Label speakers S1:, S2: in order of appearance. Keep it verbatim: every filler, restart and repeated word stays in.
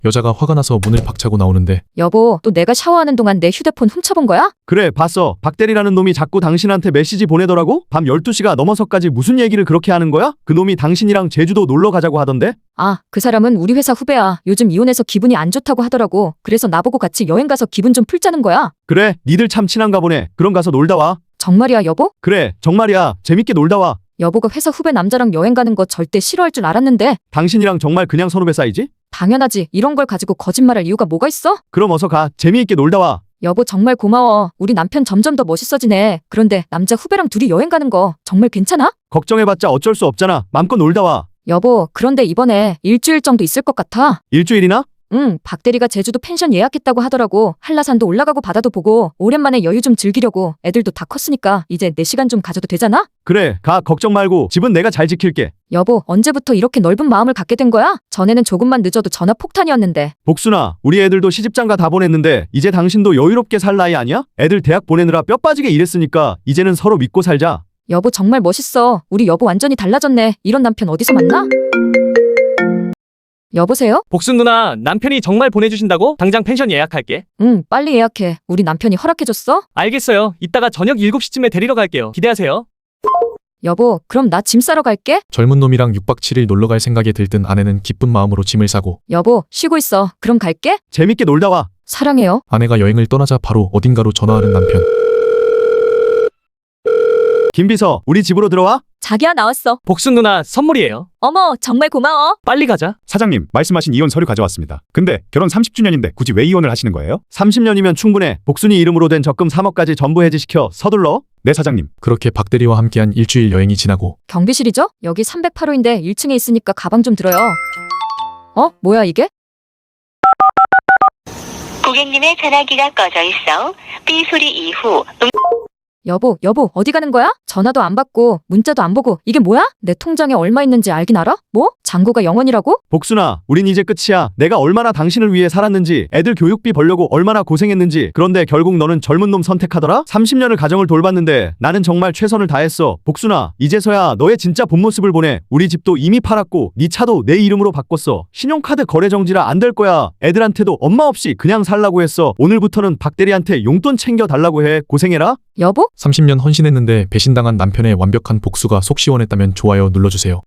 S1: 여자가 화가 나서 문을 박차고 나오는데
S2: 여보, 또 내가 샤워하는 동안 내 휴대폰 훔쳐본 거야?
S3: 그래 봤어. 박대리라는 놈이 자꾸 당신한테 메시지 보내더라고? 밤 열두 시가 넘어서까지 무슨 얘기를 그렇게 하는 거야? 그 놈이 당신이랑 제주도 놀러 가자고 하던데?
S2: 아, 그 사람은 우리 회사 후배야. 요즘 이혼해서 기분이 안 좋다고 하더라고. 그래서 나보고 같이 여행 가서 기분 좀 풀자는 거야.
S3: 그래 니들 참 친한가 보네. 그럼 가서 놀다 와.
S2: 정말이야, 여보?
S3: 그래 정말이야. 재밌게 놀다 와.
S2: 여보가 회사 후배 남자랑 여행 가는 거 절대 싫어할 줄 알았는데.
S3: 당신이랑 정말 그냥 선후배 사이지?
S2: 당연하지. 이런 걸 가지고 거짓말할 이유가 뭐가 있어?
S3: 그럼 어서 가. 재미있게 놀다 와.
S2: 여보, 정말 고마워. 우리 남편 점점 더 멋있어지네. 그런데 남자 후배랑 둘이 여행 가는 거 정말 괜찮아?
S3: 걱정해봤자 어쩔 수 없잖아. 맘껏 놀다 와.
S2: 여보, 그런데 이번에 일주일 정도 있을 것 같아.
S3: 일주일이나?
S2: 응, 박대리가 제주도 펜션 예약했다고 하더라고. 한라산도 올라가고 바다도 보고 오랜만에 여유 좀 즐기려고. 애들도 다 컸으니까 이제 내 시간 좀 가져도 되잖아?
S3: 그래 가. 걱정 말고 집은 내가 잘 지킬게.
S2: 여보, 언제부터 이렇게 넓은 마음을 갖게 된 거야? 전에는 조금만 늦어도 전화 폭탄이었는데.
S3: 복순아, 우리 애들도 시집장가 다 보냈는데 이제 당신도 여유롭게 살 나이 아니야? 애들 대학 보내느라 뼈 빠지게 일했으니까 이제는 서로 믿고 살자.
S2: 여보, 정말 멋있어. 우리 여보 완전히 달라졌네. 이런 남편 어디서 만나? 여보세요?
S4: 복순 누나, 남편이 정말 보내주신다고? 당장 펜션 예약할게.
S2: 응, 빨리 예약해. 우리 남편이 허락해줬어?
S4: 알겠어요. 이따가 저녁 일곱 시쯤에 데리러 갈게요. 기대하세요.
S2: 여보, 그럼 나 짐 싸러 갈게.
S1: 젊은 놈이랑 육 박 칠 일 놀러 갈 생각에 들뜬 아내는 기쁜 마음으로 짐을 싸고
S2: 여보, 쉬고 있어. 그럼 갈게.
S3: 재밌게 놀다 와.
S2: 사랑해요.
S1: 아내가 여행을 떠나자 바로 어딘가로 전화하는 남편.
S3: 김비서, 우리 집으로 들어와.
S2: 자기야, 나왔어.
S4: 복순 누나, 선물이에요.
S2: 어머, 정말 고마워.
S4: 빨리 가자.
S5: 사장님, 말씀하신 이혼 서류 가져왔습니다. 근데 결혼 삼십 주년인데 굳이 왜 이혼을 하시는 거예요?
S3: 삼십 년이면 충분해. 복순이 이름으로 된 적금 삼억까지 전부 해지시켜. 서둘러.
S5: 네, 사장님.
S1: 그렇게 박대리와 함께한 일주일 여행이 지나고
S2: 경비실이죠? 여기 삼백팔 호인데 일 층에 있으니까 가방 좀 들어요. 어? 뭐야 이게?
S6: 고객님의 전화기가 꺼져 있어 삐 소리 이후 음
S2: 여보, 여보, 어디 가는 거야? 전화도 안 받고 문자도 안 보고. 이게 뭐야? 내 통장에 얼마 있는지 알긴 알아? 뭐? 잔고가 영 원이라고?
S3: 복순아, 우린 이제 끝이야. 내가 얼마나 당신을 위해 살았는지, 애들 교육비 벌려고 얼마나 고생했는지. 그런데 결국 너는 젊은 놈 선택하더라? 삼십 년을 가정을 돌봤는데 나는 정말 최선을 다했어. 복순아, 이제서야 너의 진짜 본 모습을 보내. 우리 집도 이미 팔았고 네 차도 내 이름으로 바꿨어. 신용카드 거래 정지라 안 될 거야. 애들한테도 엄마 없이 그냥 살라고 했어. 오늘부터는 박대리한테 용돈 챙겨 달라고 해. 고생해라.
S2: 여보?
S1: 삼십 년 헌신했는데 배신당한 남편의 완벽한 복수가 속 시원했다면 좋아요 눌러주세요.